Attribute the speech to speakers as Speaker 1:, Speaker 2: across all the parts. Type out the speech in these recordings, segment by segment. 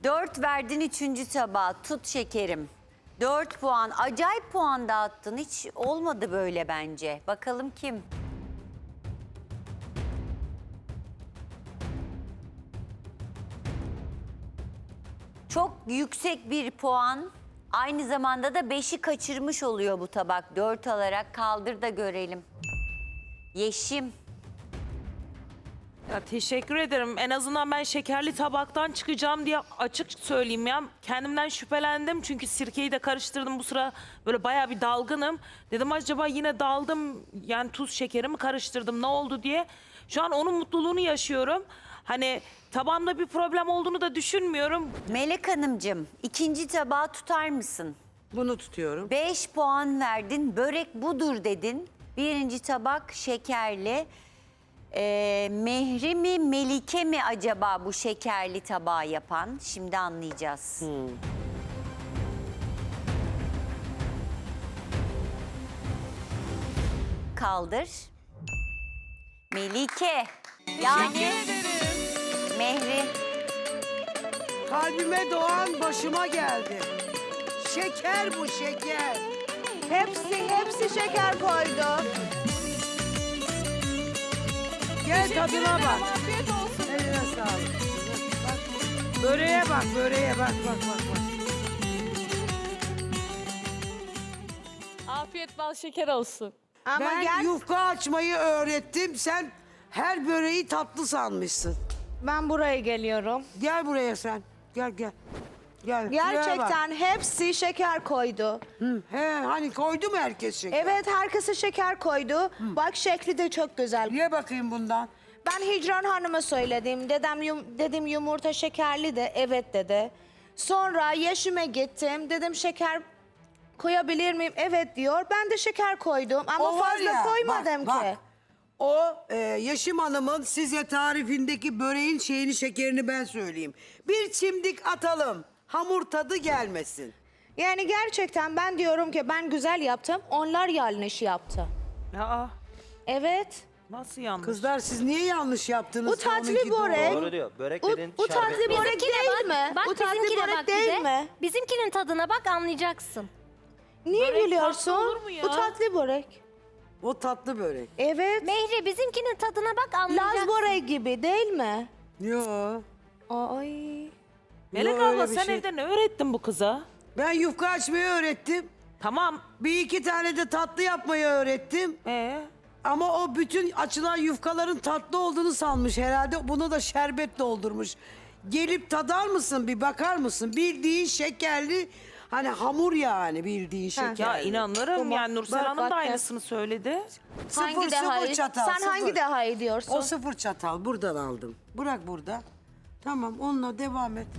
Speaker 1: 4 verdin 3. tabağa. Tut şekerim. 4 puan. Acayip puan dağıttın. Hiç olmadı böyle bence. Bakalım kim? Çok yüksek bir puan. Aynı zamanda da 5'i kaçırmış oluyor bu tabak. 4 alarak kaldır da görelim. Yeşim.
Speaker 2: Ya teşekkür ederim. En azından ben şekerli tabaktan çıkacağım diye açık söyleyeyim ya. Kendimden şüphelendim çünkü sirkeyi de karıştırdım bu sıra. Böyle bayağı bir dalgınım. Dedim acaba yine daldım yani tuz şekerimi karıştırdım ne oldu diye. Şu an onun mutluluğunu yaşıyorum. Hani tabağımda bir problem olduğunu da düşünmüyorum.
Speaker 1: Melek Hanımcığım 2. tabağı tutar mısın?
Speaker 3: Bunu tutuyorum.
Speaker 1: 5 puan verdin. Börek budur dedin. 1. tabak şekerli. Mehri mi Melike mi acaba bu şekerli tabağı yapan? Şimdi anlayacağız. Kaldır. Melike. Yani Mehri.
Speaker 3: Kalbime doğan başıma geldi. Şeker bu şeker.
Speaker 4: Hepsi şeker koydu.
Speaker 3: Gel tadına bak.
Speaker 4: Afiyet olsun.
Speaker 3: Eline sağlık. Bak, böreğe bak, böreğe bak.
Speaker 5: Afiyet bal şeker olsun.
Speaker 4: Ama
Speaker 3: Ben
Speaker 4: gel,
Speaker 3: yufka açmayı öğrettim. Sen her böreği tatlı sanmışsın.
Speaker 4: ben buraya geliyorum.
Speaker 3: Gel buraya sen. Gel. Gel. Şuraya bak.
Speaker 4: Gerçekten hepsi şeker koydu.
Speaker 3: He, hani koydu mu herkes şeker?
Speaker 4: Evet, herkese şeker koydu. Bak şekli de çok güzel.
Speaker 3: Ye bakayım bundan.
Speaker 4: Ben Hicran Hanım'a söyledim. Dedim yumurta şekerli de evet dedi. Sonra Yeşim'e gittim. Dedim şeker koyabilir miyim? Evet diyor. Ben de şeker koydum ama
Speaker 3: O var
Speaker 4: fazla
Speaker 3: ya,
Speaker 4: koymadım
Speaker 3: bak,
Speaker 4: ki.
Speaker 3: bak. O Yeşim Hanım'ın size tarifindeki böreğin şekerini ben söyleyeyim. Bir çimdik atalım. Hamur tadı gelmesin.
Speaker 4: Yani gerçekten ben diyorum ki ben güzel yaptım. Onlar yanlış yaptı.
Speaker 2: Aa,
Speaker 4: Evet.
Speaker 2: nasıl yanlış?
Speaker 3: Kızlar siz niye yanlış yaptınız?
Speaker 4: Bu tatlı
Speaker 3: Onunki doğru.
Speaker 4: börek.
Speaker 6: Doğru diyor. Börek
Speaker 4: Bu
Speaker 6: dediğin
Speaker 4: tatlı
Speaker 6: şerbetli.
Speaker 4: börek
Speaker 7: Bizimkine
Speaker 4: değil mi?
Speaker 7: Bak
Speaker 4: Bu tatlı
Speaker 7: bizimkine
Speaker 4: börek
Speaker 7: bak
Speaker 4: değil
Speaker 7: bir de.
Speaker 4: mi?
Speaker 7: Bizimkinin tadına bak anlayacaksın.
Speaker 4: Niye
Speaker 2: Börek
Speaker 4: gülüyorsun?
Speaker 2: tatlı olur mu ya?
Speaker 4: Bu tatlı börek.
Speaker 3: O tatlı börek.
Speaker 4: Evet.
Speaker 7: Mehri bizimkinin tadına bak
Speaker 4: Laz
Speaker 7: anlayacaksın.
Speaker 4: börek gibi değil mi?
Speaker 3: Yo.
Speaker 4: Ay.
Speaker 2: Melek
Speaker 3: Yo, öyle
Speaker 2: abla
Speaker 3: bir
Speaker 2: sen
Speaker 3: şey.
Speaker 2: evde ne öğrettin bu kıza?
Speaker 3: Ben yufka açmayı öğrettim.
Speaker 2: Tamam.
Speaker 3: Bir iki tane de tatlı yapmayı öğrettim. Ama o bütün açılan yufkaların tatlı olduğunu sanmış herhalde. Bunu da şerbet doldurmuş. Gelip tadar mısın bir bakar mısın? Bildiğin şekerli hani hamur yani bildiğin şekerli.
Speaker 2: Ya inanırım
Speaker 4: Tamam.
Speaker 2: yani Nursel
Speaker 4: Bak,
Speaker 2: Hanım
Speaker 4: bak
Speaker 2: da
Speaker 4: ya.
Speaker 2: aynısını söyledi.
Speaker 3: Sıfır çatal.
Speaker 4: Sen
Speaker 3: sıfır.
Speaker 4: hangi daha iyi diyorsun?
Speaker 3: O 0 çatal buradan aldım. Bırak burada. Tamam onunla devam et.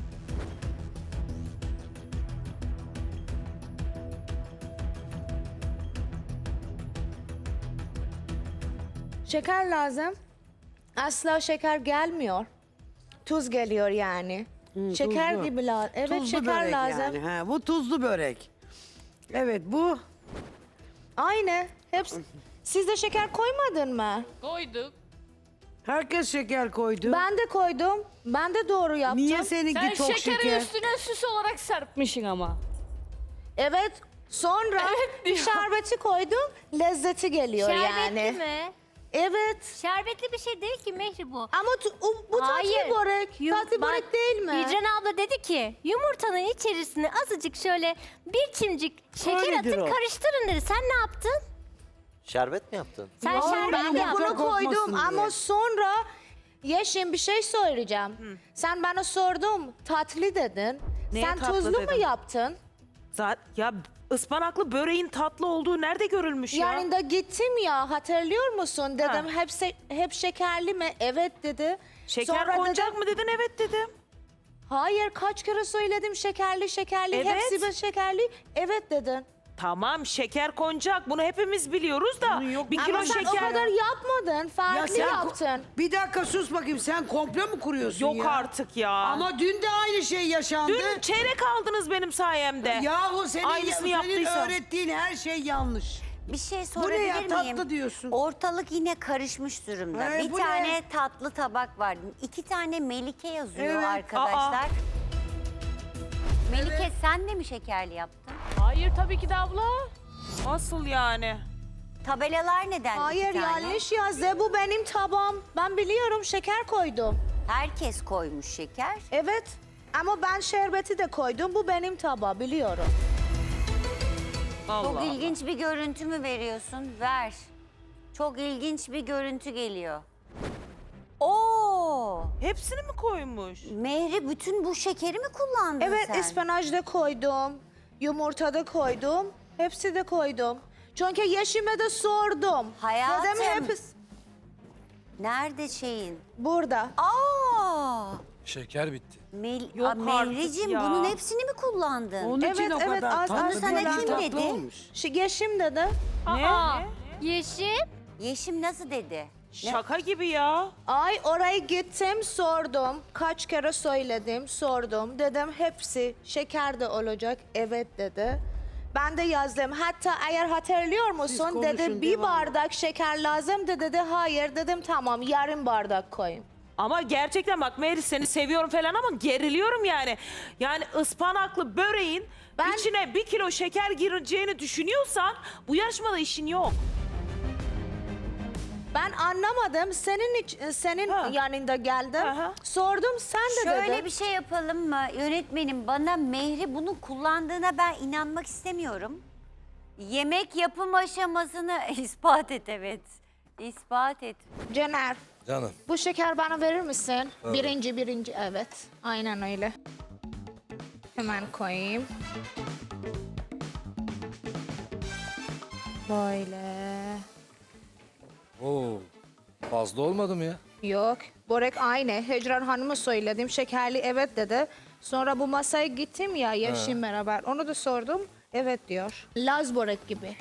Speaker 4: Şeker lazım. Asla şeker gelmiyor. Tuz geliyor yani. Şeker
Speaker 3: tuzlu.
Speaker 4: gibi lazım. Evet
Speaker 3: Tuzlu
Speaker 4: şeker
Speaker 3: börek
Speaker 4: lazım.
Speaker 3: yani. Ha, bu tuzlu börek. Evet bu.
Speaker 4: Aynı. Hepsi. Siz de şeker koymadın mı?
Speaker 5: Koyduk.
Speaker 3: Herkes şeker koydu.
Speaker 4: Ben de koydum. Ben de doğru yaptım.
Speaker 3: Niye seninki
Speaker 5: Sen
Speaker 3: çok
Speaker 5: şekeri
Speaker 3: şeker?
Speaker 5: üstüne süs olarak serpmişsin ama.
Speaker 4: Evet. Sonra
Speaker 5: Evet diyor.
Speaker 4: şerbeti koydum. Lezzeti geliyor
Speaker 7: Şerbetli
Speaker 4: yani.
Speaker 7: mi?
Speaker 4: Evet.
Speaker 7: Şerbetli bir şey değil ki Mehri bu.
Speaker 4: Ama bu
Speaker 7: Hayır.
Speaker 4: tatlı börek. Tatlı
Speaker 7: Bak,
Speaker 4: börek değil mi?
Speaker 7: Hicran abla dedi ki yumurtanın içerisine azıcık şöyle bir çimcik şeker
Speaker 3: Öyledir
Speaker 7: atın
Speaker 3: o.
Speaker 7: karıştırın dedi. Sen ne yaptın?
Speaker 6: Şerbet mi yaptın?
Speaker 7: Sen
Speaker 4: Ben
Speaker 7: şerbetli
Speaker 4: de
Speaker 7: yaptın.
Speaker 4: bunu koydum
Speaker 3: kokmasın
Speaker 4: ama
Speaker 3: diye.
Speaker 4: sonra Yeşim bir şey söyleyeceğim. Sen bana sordun tatlı dedin.
Speaker 2: Neye
Speaker 4: Sen
Speaker 2: tatlı
Speaker 4: tuzlu mu
Speaker 2: dedim?
Speaker 4: yaptın?
Speaker 2: Ya ıspanaklı böreğin tatlı olduğu nerede görülmüş ya?
Speaker 4: Yani da gittim ya hatırlıyor musun? Dedim hep şekerli mi? Evet dedi.
Speaker 2: Şeker
Speaker 4: Sonra
Speaker 2: konacak
Speaker 4: dedim,
Speaker 2: mı dedin? Evet dedim.
Speaker 4: hayır kaç kere söyledim şekerli.
Speaker 2: Evet.
Speaker 4: Hepsi de şekerli. Evet dedin.
Speaker 2: Tamam şeker konacak. Bunu hepimiz biliyoruz da. Bir kilo
Speaker 4: Ama sen
Speaker 2: şeker.
Speaker 4: o kadar yapmadın. Farklı
Speaker 3: sen
Speaker 4: yaptın.
Speaker 3: bir dakika sus bakayım sen komple mi kuruyorsun
Speaker 2: Yok
Speaker 3: ya?
Speaker 2: artık ya.
Speaker 3: Ama dün de aynı şey yaşandı.
Speaker 2: Dün çeyrek aldınız benim sayemde.
Speaker 3: Yahu senin
Speaker 2: Aynısını yaptıysam.
Speaker 3: öğrettiğin her şey yanlış.
Speaker 1: Bir şey
Speaker 3: Bu ne
Speaker 1: sorabilir
Speaker 3: ya
Speaker 1: miyim?
Speaker 3: tatlı diyorsun.
Speaker 1: Ortalık yine karışmış durumda.
Speaker 3: Ee,
Speaker 1: Bir
Speaker 3: bu
Speaker 1: tane
Speaker 3: ne?
Speaker 1: tatlı tabak var. 2 tane Melike yazıyor
Speaker 3: Evet.
Speaker 1: arkadaşlar. Sen de mi şekerli yaptın?
Speaker 5: Hayır tabii ki de abla.
Speaker 2: Nasıl yani?
Speaker 1: Tabelalar neden
Speaker 4: Hayır
Speaker 1: iki tane?
Speaker 4: yanlış yazdı. Bu benim tabağım. Ben biliyorum şeker koydum.
Speaker 1: Herkes koymuş şeker.
Speaker 4: Evet. Ama ben şerbeti de koydum. Bu benim tabağı biliyorum.
Speaker 2: Allah
Speaker 1: Çok
Speaker 2: Allah.
Speaker 1: ilginç bir görüntü mü veriyorsun? Ver. Çok ilginç bir görüntü geliyor. Oo!
Speaker 2: Hepsini mi koymuş?
Speaker 1: Mehri bütün bu şekeri mi kullandın
Speaker 4: Evet
Speaker 1: sen?
Speaker 4: ıspanaj da koydum. Yumurta da koydum. Hepsi de koydum. Çünkü Yeşim'e de sordum.
Speaker 1: Hayatım.
Speaker 4: Dedim hepsi
Speaker 1: Nerede şeyin?
Speaker 4: burada.
Speaker 1: Aa!
Speaker 8: Şeker bitti.
Speaker 2: Yok artık
Speaker 1: Mehricim
Speaker 2: ya.
Speaker 1: bunun hepsini mi kullandın?
Speaker 3: Onun için
Speaker 4: Evet,
Speaker 3: o
Speaker 4: evet,
Speaker 3: kadar
Speaker 4: az-
Speaker 3: tatlı.
Speaker 4: az
Speaker 1: sana
Speaker 3: bir
Speaker 1: kim
Speaker 3: tatlı
Speaker 1: dedi?
Speaker 3: olmuş.
Speaker 4: Yeşim dedi.
Speaker 5: Aa,
Speaker 7: Yeşim.
Speaker 1: Yeşim nasıl dedi?
Speaker 2: Şaka gibi ya.
Speaker 4: Ay oraya gittim sordum. Kaç kere söyledim sordum. Dedim hepsi şeker de olacak. Evet dedi. Ben de yazdım. Hatta eğer hatırlıyor musun
Speaker 3: konuşun,
Speaker 4: dedi bir
Speaker 3: devam.
Speaker 4: bardak şeker lazım dedi. Hayır dedim tamam yarım bardak koyayım.
Speaker 2: Ama gerçekten bak Meri seni seviyorum falan ama geriliyorum yani. Yani ıspanaklı böreğin
Speaker 4: Ben-
Speaker 2: içine 1 kilo şeker gireceğini düşünüyorsan bu yarışmada işin yok.
Speaker 4: Ben anlamadım. Senin
Speaker 2: Ha.
Speaker 4: yanında geldim.
Speaker 2: Aha.
Speaker 4: Sordum sen de
Speaker 1: Şöyle
Speaker 4: dedin.
Speaker 1: bir şey yapalım mı? Yönetmenim bana Mehri bunu kullandığına ben inanmak istemiyorum. Yemek yapım aşamasını ispat et evet. İspat et.
Speaker 4: Cener
Speaker 8: Canım.
Speaker 4: bu şeker bana verir misin? Birinci evet. Aynen öyle. Hemen koyayım. Böyle.
Speaker 8: Oo. Fazla olmadı mı ya?
Speaker 4: Yok. Börek aynı. Hecran Hanım'a söyledim. Şekerli evet dedi. Sonra bu masaya gittim ya Yeşim beraber. Onu da sordum. Evet diyor. Laz börek gibi.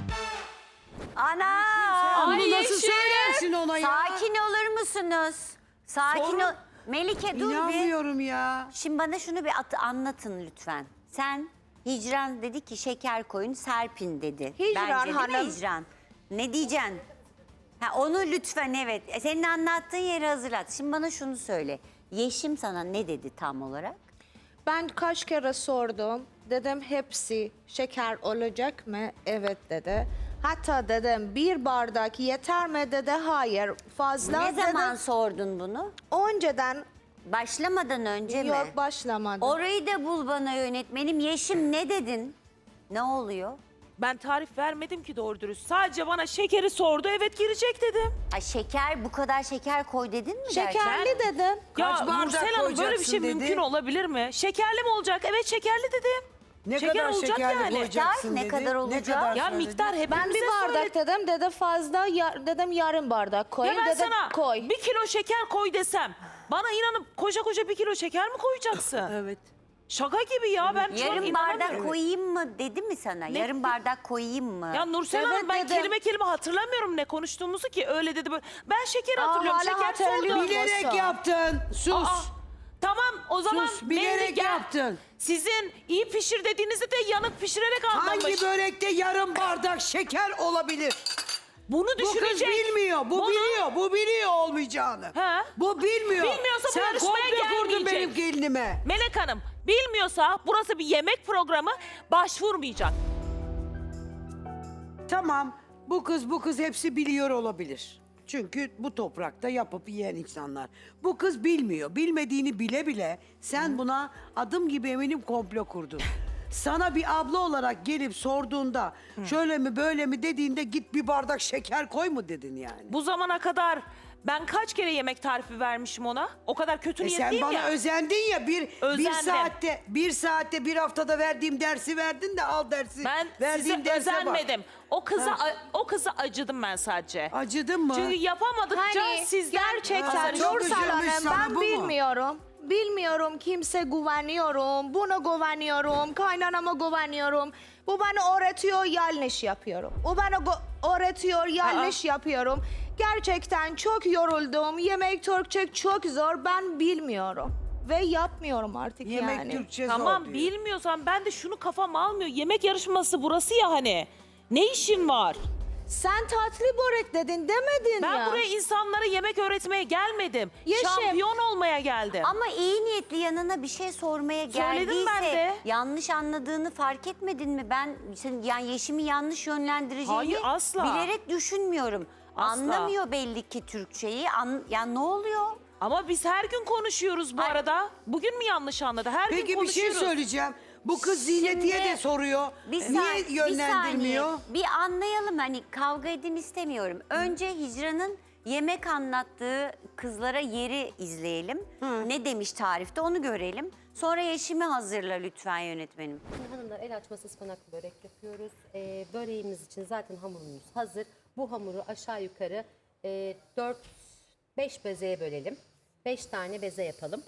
Speaker 1: Ana!
Speaker 3: Bunu nasıl söylersin ona ya?
Speaker 1: Sakin olur musunuz? Sakin ol. Melike dur bir.
Speaker 3: İnanmıyorum ya.
Speaker 1: Şimdi bana şunu bir anlatın lütfen. Sen Hicran dedi ki şeker koyun serpin dedi.
Speaker 4: Hicran
Speaker 1: Bence değil mi
Speaker 4: Hanım.
Speaker 1: Hicran? Ne diyeceksin? Ha, onu lütfen evet. Senin anlattığın yeri hazırlat. Şimdi bana şunu söyle. Yeşim sana ne dedi tam olarak?
Speaker 4: Ben kaç kere sordum. Dedim hepsi şeker olacak mı? Evet dedi. Hatta dedim bir bardak yeter mi dedi. Hayır fazla
Speaker 1: Ne zaman
Speaker 4: dedim.
Speaker 1: sordun bunu?
Speaker 4: Önceden
Speaker 1: Başlamadan önce mi?
Speaker 4: yok başlamadı.
Speaker 1: Orayı da bul bana yönetmenim. Yeşim ne dedin? Ne oluyor?
Speaker 2: Ben tarif vermedim ki doğru dürüst. Sadece bana şekeri sordu. Evet girecek dedim.
Speaker 1: Ay şeker bu kadar şeker koy dedin mi gerçekten?
Speaker 4: Şekerli dedim.
Speaker 3: Kaç
Speaker 2: Ya
Speaker 3: bardak
Speaker 2: Nursel Hanım böyle bir
Speaker 3: koyacaksın
Speaker 2: şey
Speaker 3: dedi.
Speaker 2: mümkün olabilir mi? Şekerli mi olacak? Evet şekerli dedim.
Speaker 3: Ne
Speaker 2: Şeker
Speaker 3: kadar
Speaker 2: olacak
Speaker 3: şekerli
Speaker 2: yani.
Speaker 3: koyacaksın
Speaker 1: Ne
Speaker 3: dedi.
Speaker 1: kadar olacak?
Speaker 2: Ya
Speaker 3: söyledi?
Speaker 2: miktar hepimize
Speaker 4: Ben bir bardak dedim. Dedi fazla dedim yarım bardak koy.
Speaker 2: Ya ben
Speaker 4: Dedi
Speaker 2: sana
Speaker 4: koy.
Speaker 2: 1 kilo şeker koy desem bana inanıp koca koca 1 kilo şeker mi koyacaksın?
Speaker 3: Evet.
Speaker 2: Şaka gibi ya ben şu an
Speaker 1: Yarım
Speaker 2: inanamıyorum.
Speaker 1: bardak koyayım mı dedi mi sana? Yarım bardak koyayım mı?
Speaker 2: Ya Nursel
Speaker 4: Evet
Speaker 2: Hanım ben
Speaker 4: dedim.
Speaker 2: kelime kelime hatırlamıyorum ne konuştuğumuzu ki öyle dedi böyle. Ben şekeri hatırlıyorum
Speaker 4: hala
Speaker 2: şeker
Speaker 4: hatırlıyorum.
Speaker 2: sordu.
Speaker 3: Bilerek
Speaker 4: Olsun.
Speaker 3: yaptın. Sus.
Speaker 2: Aa, tamam o zaman
Speaker 3: Sus, bilerek
Speaker 2: Mehri gel.
Speaker 3: yaptın.
Speaker 2: Sizin iyi pişir dediğinizde de yanık pişirerek anlamış.
Speaker 3: Hangi börekte yarım bardak şeker olabilir?
Speaker 2: Bunu
Speaker 3: Bu kız
Speaker 2: düşünecek.
Speaker 3: bilmiyor, bu
Speaker 2: Bunu-
Speaker 3: biliyor, bu biliyor olmayacağını.
Speaker 2: He.
Speaker 3: Bu bilmiyor.
Speaker 2: Bilmiyorsa bu
Speaker 3: Sen
Speaker 2: yarışmaya
Speaker 3: komple kurdun
Speaker 2: gelmeyecek.
Speaker 3: benim gelinime.
Speaker 2: Melek Hanım bilmiyorsa burası bir yemek programı başvurmayacak.
Speaker 3: Tamam, bu kız hepsi biliyor olabilir. Çünkü bu toprakta yapıp yiyen insanlar. Bu kız bilmiyor. Bilmediğini bile bile sen buna adım gibi eminim komplo kurdun. Sana bir abla olarak gelip sorduğunda şöyle mi böyle mi dediğinde git bir bardak şeker koy mu dedin yani.
Speaker 2: Bu zamana kadar ben kaç kere yemek tarifi vermişim ona? O kadar kötü
Speaker 3: Sen
Speaker 2: niyetliyim
Speaker 3: bana
Speaker 2: ya.
Speaker 3: özendin ya bir
Speaker 2: Özendim.
Speaker 3: saatte bir haftada verdiğim dersi verdin de al dersi.
Speaker 2: Ben
Speaker 3: verdiğim
Speaker 2: size
Speaker 3: derse bak.
Speaker 2: özenmedim. O kıza acıdım ben sadece.
Speaker 3: Acıdın mı?
Speaker 2: Çünkü yapamadıkça
Speaker 4: Hani
Speaker 2: sizden
Speaker 4: gerçekten
Speaker 3: Ha, çok
Speaker 4: Nursel
Speaker 3: üzülmüş
Speaker 4: Hanım
Speaker 3: sana
Speaker 4: ben
Speaker 3: bu mu?
Speaker 4: bilmiyorum. Bilmiyorum kimse güveniyorum. Buna güveniyorum. Kaynanama güveniyorum. Bu bana öğretiyor yanlış yapıyorum. O bana öğretiyor yanlış yapıyorum. Gerçekten çok yoruldum. Yemek Türkçe çok zor. Ben bilmiyorum. Ve yapmıyorum artık
Speaker 3: Yemek
Speaker 4: yani.
Speaker 3: Türkçe
Speaker 2: Tamam
Speaker 3: zor diyor.
Speaker 2: bilmiyorsan ben de şunu kafam almıyor. Yemek yarışması burası ya hani. Ne işin var?
Speaker 4: Sen tatlı börek dedin demedin
Speaker 2: Ben
Speaker 4: ya.
Speaker 2: buraya insanlara yemek öğretmeye gelmedim.
Speaker 4: Yeşim.
Speaker 2: Şampiyon olmaya geldim.
Speaker 1: Ama iyi niyetli yanına bir şey sormaya
Speaker 2: Söyledim
Speaker 1: geldiyse
Speaker 2: ben de.
Speaker 1: yanlış anladığını fark etmedin mi? Ben yani Yeşim'i yanlış yönlendireceğini
Speaker 2: Hayır, asla.
Speaker 1: bilerek düşünmüyorum.
Speaker 2: Asla.
Speaker 1: Anlamıyor belli ki Türkçeyi. Ya ne oluyor?
Speaker 2: Ama biz her gün konuşuyoruz bu
Speaker 1: Ay.
Speaker 2: arada. Bugün mü yanlış anladı? Her gün
Speaker 3: Peki bir şey
Speaker 2: konuşuyoruz.
Speaker 3: söyleyeceğim. Bu kız Zineti'ye
Speaker 1: Şimdi
Speaker 3: de soruyor.
Speaker 1: Bir
Speaker 3: Niye
Speaker 1: saniye,
Speaker 3: yönlendirmiyor?
Speaker 1: Bir anlayalım, hani kavga edin istemiyorum. Önce Hicran'ın yemek anlattığı kızlara yeri izleyelim. Ne demiş tarifte onu görelim. Sonra Yeşim'i hazırla lütfen yönetmenim.
Speaker 9: Hanımlar, el açması ıspanaklı börek yapıyoruz. Böreğimiz için zaten hamurumuz hazır. Bu hamuru aşağı yukarı 4-5 bezeye bölelim. 5 tane beze yapalım.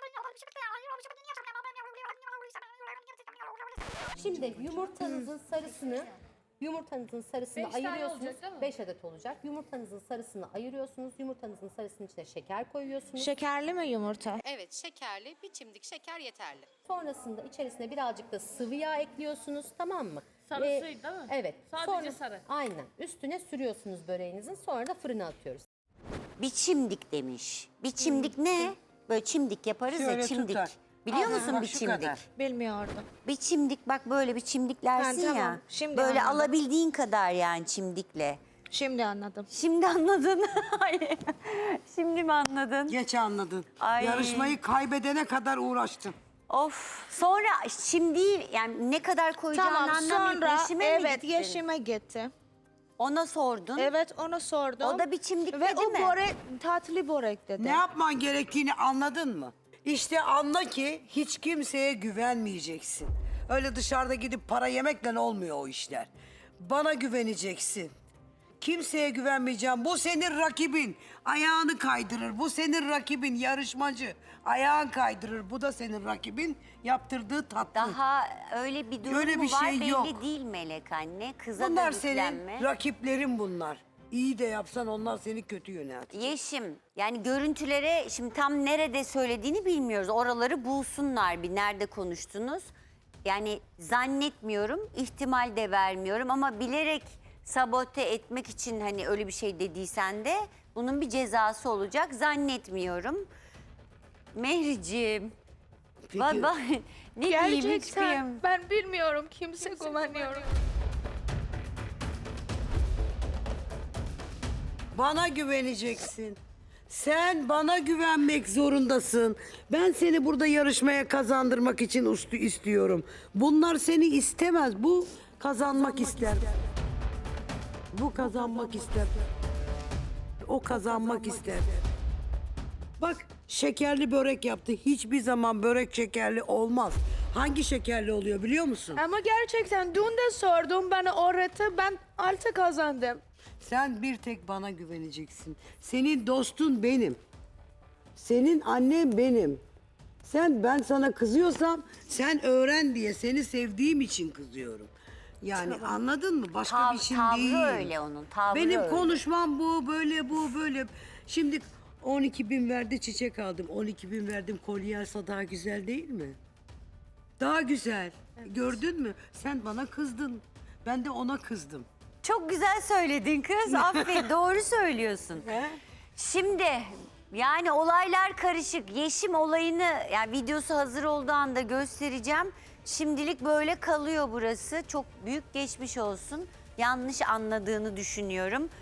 Speaker 9: Şimdi yumurtanızın sarısını
Speaker 5: Beş tane
Speaker 9: ayırıyorsunuz.
Speaker 5: olacak, değil mi?
Speaker 9: 5 adet olacak. Yumurtanızın sarısını ayırıyorsunuz. Yumurtanızın sarısının içine şeker koyuyorsunuz.
Speaker 4: Şekerli mi yumurta?
Speaker 9: Evet, şekerli, bir çimdik şeker yeterli. Sonrasında içerisine birazcık da sıvı yağ ekliyorsunuz, tamam mı?
Speaker 5: Sarısıydı değil mi?
Speaker 9: Evet.
Speaker 5: Sadece sarı.
Speaker 9: Aynen. Üstüne sürüyorsunuz böreğinizin, sonra da fırına atıyoruz.
Speaker 1: Bir çimdik demiş. Bir çimdik ne? Böyle çimdik yaparız
Speaker 3: Şöyle
Speaker 1: ya, çimdik.
Speaker 3: tutar.
Speaker 1: Biliyor
Speaker 3: Aha,
Speaker 1: musun
Speaker 3: bak
Speaker 1: bir
Speaker 3: şu
Speaker 1: çimdik?
Speaker 3: kadar.
Speaker 4: Bilmiyordum.
Speaker 1: Bir çimdik, bak böyle bir çimdiklersin
Speaker 4: Ha, tamam.
Speaker 1: ya.
Speaker 4: Şimdi
Speaker 1: Böyle
Speaker 4: anladım.
Speaker 1: alabildiğin kadar yani çimdikle.
Speaker 4: Şimdi anladım.
Speaker 1: Şimdi anladın. Ay, şimdi mi anladın?
Speaker 3: Geç anladın.
Speaker 1: Ay.
Speaker 3: Yarışmayı kaybedene kadar uğraştım.
Speaker 1: Of. Sonra şimdi yani ne kadar koyacağını
Speaker 4: Tamam,
Speaker 1: anlamayıp
Speaker 4: sonra
Speaker 1: Yeşim'e mi
Speaker 4: evet
Speaker 1: gittin?
Speaker 4: Yeşim'e gitti.
Speaker 1: Ona sordun.
Speaker 4: Evet, ona sordum.
Speaker 1: O da bir çimdik
Speaker 4: Ve
Speaker 1: dedi
Speaker 4: o
Speaker 1: mi?
Speaker 4: börek, tatlı börek dedi.
Speaker 3: Ne yapman gerektiğini anladın mı? İşte anla ki hiç kimseye güvenmeyeceksin. Öyle dışarıda gidip para yemekle olmuyor o işler. Bana güveneceksin. Kimseye güvenmeyeceğim. Bu senin rakibin. Ayağını kaydırır. Bu senin rakibin, yarışmacı. Ayağın kaydırır. Bu da senin rakibin. Yaptırdığı tatlı.
Speaker 1: Daha öyle bir durum
Speaker 3: Öyle
Speaker 1: mu
Speaker 3: bir
Speaker 1: var
Speaker 3: şey
Speaker 1: belli
Speaker 3: yok.
Speaker 1: değil Melek anne. Kıza
Speaker 3: Bunlar
Speaker 1: da
Speaker 3: senin
Speaker 1: yüklenme.
Speaker 3: rakiplerin bunlar. İyi de yapsan onlar seni kötü yöneltir.
Speaker 1: Yeşim, yani görüntülere şimdi tam nerede söylediğini bilmiyoruz. Oraları bulsunlar, bir nerede konuştunuz. Yani zannetmiyorum, ihtimal de vermiyorum ama bilerek sabote etmek için hani öyle bir şey dediysen de bunun bir cezası olacak zannetmiyorum. Mehriciğim,
Speaker 3: Peki.
Speaker 1: ne diyeyim hiç kıyam-
Speaker 5: Gerçekten ben bilmiyorum, kimse güveniyorum.
Speaker 3: Bana güveneceksin. Sen bana güvenmek zorundasın. Ben seni burada yarışmaya kazandırmak için istiyorum. Bunlar seni istemez. Bu kazanmak ister. Bu kazanmak ister. O kazanmak ister. Bak şekerli börek yaptı. Hiçbir zaman börek şekerli olmaz. Hangi şekerli oluyor biliyor musun?
Speaker 4: Ama gerçekten dün de sordum, bana öğretti, ben altı kazandım.
Speaker 3: Sen bir tek bana güveneceksin. Senin dostun benim. Senin annen benim. Ben sana kızıyorsam sen öğren diye seni sevdiğim için kızıyorum. Yani anladın mı? Başka bir şey
Speaker 1: tavrı
Speaker 3: değil.
Speaker 1: öyle onun, tavrı
Speaker 3: Benim
Speaker 1: öyle.
Speaker 3: konuşmam bu, böyle. Şimdi 12.000 verdi çiçek aldım. 12.000 verdim kolye alsa daha güzel değil mi? Daha güzel. Gördün mü? Sen bana kızdın. Ben de ona kızdım.
Speaker 1: Çok güzel söyledin kız. Aferin, doğru söylüyorsun. Şimdi yani olaylar karışık. Yeşim olayını yani videosu hazır olduğu anda göstereceğim. Şimdilik böyle kalıyor burası. Çok büyük geçmiş olsun. Yanlış anladığını düşünüyorum.